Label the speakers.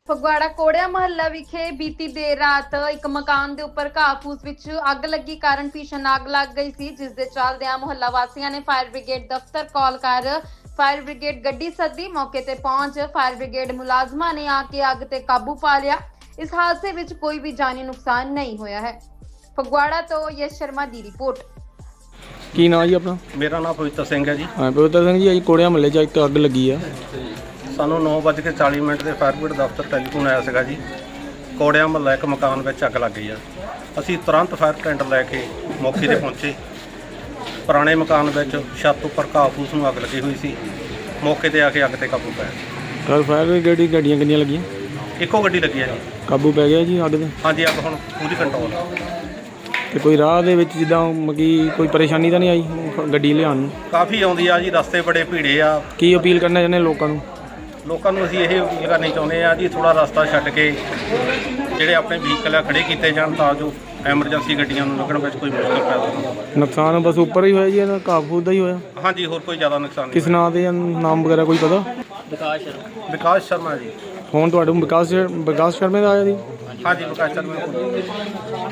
Speaker 1: ਫਗਵਾੜਾ ਕੋੜਿਆ ਮੁਹੱਲਾ ਵਿਖੇ ਬੀਤੀ ਦੇਰ ਰਾਤ ਇੱਕ ਮਕਾਨ ਦੇ ਉੱਪਰ ਘਾਹ-ਫੂਸ ਵਿੱਚ ਅੱਗ ਲੱਗੀ ਕਾਰਨ ਭੀਸ਼ਣ ਅੱਗ ਲੱਗ ਗਈ ਸੀ, ਜਿਸ ਦੇ ਚੱਲਦਿਆਂ ਮੁਹੱਲਾ ਵਾਸੀਆਂ ਨੇ ਫਾਇਰ ਬ੍ਰਿਗੇਡ ਦਫ਼ਤਰ ਕਾਲ ਕਰ ਫਾਇਰ ਬ੍ਰਿਗੇਡ ਗੱਡੀ ਸੱਦੀ। ਮੌਕੇ ਤੇ ਪਹੁੰਚ ਫਾਇਰ ਬ੍ਰਿਗੇਡ ਮੁਲਾਜ਼ਮਾਂ ਨੇ ਆ ਕੇ ਅੱਗ ਤੇ ਕਾਬੂ ਪਾ ਲਿਆ। ਇਸ ਹਾਦਸੇ ਵਿੱਚ ਕੋਈ ਵੀ ਜਾਨੀ ਨੁਕਸਾਨ ਨਹੀਂ ਹੋਇਆ ਹੈ। ਫਗਵਾੜਾ ਤੋਂ ਯਸ਼ ਸ਼ਰਮਾ ਦੀ ਰਿਪੋਰਟ।
Speaker 2: ਕੀ ਨਾਂ ਜੀ ਆਪਣਾ?
Speaker 3: ਮੇਰਾ ਨਾਮ ਪਵਿੱਤਰ ਸਿੰਘ ਹੈ ਜੀ।
Speaker 2: ਹਾਂ ਪਵਿੱਤਰ ਸਿੰਘ ਜੀ, ਅੱਜ ਕੋੜਿਆ ਮਹੱਲੇ 'ਚ ਇੱਕ ਅੱਗ ਲੱਗੀ ਆ।
Speaker 3: ਸਾਨੂੰ 9:40 ਦੇ ਫਾਇਰ ਬ੍ਰਿਗੇਡ ਦਫ਼ਤਰ ਟੈਲੀਫੋਨ ਆਇਆ ਸੀਗਾ ਜੀ, ਕੋੜਿਆ ਮਹੱਲਾ ਇੱਕ ਮਕਾਨ ਵਿੱਚ ਅੱਗ ਲੱਗ ਗਈ ਆ। ਅਸੀਂ ਤੁਰੰਤ ਫਾਇਰ ਟੈਂਡਰ ਲੈ ਕੇ ਮੌਕੇ ਤੇ ਪਹੁੰਚੇ। ਪੁਰਾਣੇ ਮਕਾਨ ਵਿੱਚ ਛੱਤ ਉੱਪਰ ਘਾਹ-ਫੂਸ ਨੂੰ ਅੱਗ ਲੱਗੀ ਹੋਈ ਸੀ। ਮੌਕੇ ਤੇ ਆ ਕੇ ਅੱਗ ਤੇ ਕਾਬੂ ਪਾਇਆ।
Speaker 2: ਕੱਲ ਫਾਇਰ ਬ੍ਰਿਗੇਡ ਦੀ ਗੱਡੀਆਂ ਕਿੰਨੀਆਂ ਲੱਗੀਆਂ?
Speaker 3: ਇੱਕੋ ਗੱਡੀ ਲੱਗੀ ਆ ਜੀ।
Speaker 2: ਕਾਬੂ ਪੈ ਗਿਆ ਜੀ ਅੱਗ ਤੇ?
Speaker 3: ਹਾਂਜੀ, ਅੱਗ ਹੁਣ ਪੂਰੀ ਕੰਟਰੋਲ ਆ।
Speaker 2: ਤੇ ਕੋਈ ਰਾਹ ਦੇ ਵਿੱਚ ਜਿੱਦਾਂ ਮਤਲਬ ਕੋਈ ਪਰੇਸ਼ਾਨੀ ਤਾਂ ਨਹੀਂ ਆਈ ਗੱਡੀ ਲਿਆਉਣ ਨੂੰ?
Speaker 3: ਕਾਫੀ ਆਉਂਦੀ ਆ ਜੀ, ਰਸਤੇ ਬੜੇ ਭੀੜੇ ਆ।
Speaker 2: ਕੀ ਅਪੀਲ ਕਰਨਾ ਚਾਹੁੰਦੇ ਲੋਕਾਂ ਨੂੰ?
Speaker 3: ਲੋਕਾਂ ਨੂੰ ਅਸੀਂ ਇਹ ਅਪੀਲ ਕਰਨੀ ਚਾਹੁੰਦੇ ਆ ਜੀ, ਥੋੜਾ ਰਸਤਾ ਛੱਡ ਕੇ ਜਿਹੜੇ ਆਪਣੇ ਵਹੀਕਲ ਆ ਖੜੇ ਕੀਤੇ ਜਾਣ, ਤਾਂ ਜੋ ਐਮਰਜੈਂਸੀ ਗੱਡੀਆਂ ਨੂੰ ਲੱਗਣ ਵਿੱਚ ਕੋਈ ਮੁਸ਼ਕਲ ਪੈਦਾ ਨਾ ਹੋਵੇ।
Speaker 2: ਨੁਕਸਾਨ ਬਸ ਉੱਪਰ ਹੀ ਹੋਇਆ ਜੀ, ਇਹਦਾ ਘਾਹ-ਫੂਸ ਦਾ ਹੀ ਹੋਇਆ?
Speaker 3: ਹਾਂਜੀ, ਹੋਰ ਕੋਈ ਜ਼ਿਆਦਾ ਨੁਕਸਾਨ
Speaker 2: ਕਿਸ
Speaker 3: ਨਹੀਂ।
Speaker 2: ਨਾਂ ਦੇ ਨਾਮ ਵਗੈਰਾ ਕੋਈ ਪਤਾ?
Speaker 3: ਵਿਕਾਸ ਸ਼ਰਮਾ ਜੀ।
Speaker 2: ਫੋਨ ਤੁਹਾਡੇ ਵਿਕਾਸ ਸ਼ਰਮੇ ਦਾ ਆਇਆ ਜੀ?
Speaker 3: ਹਾਂਜੀ, ਵਿਕਾਸ ਸ਼ਰਮਾ।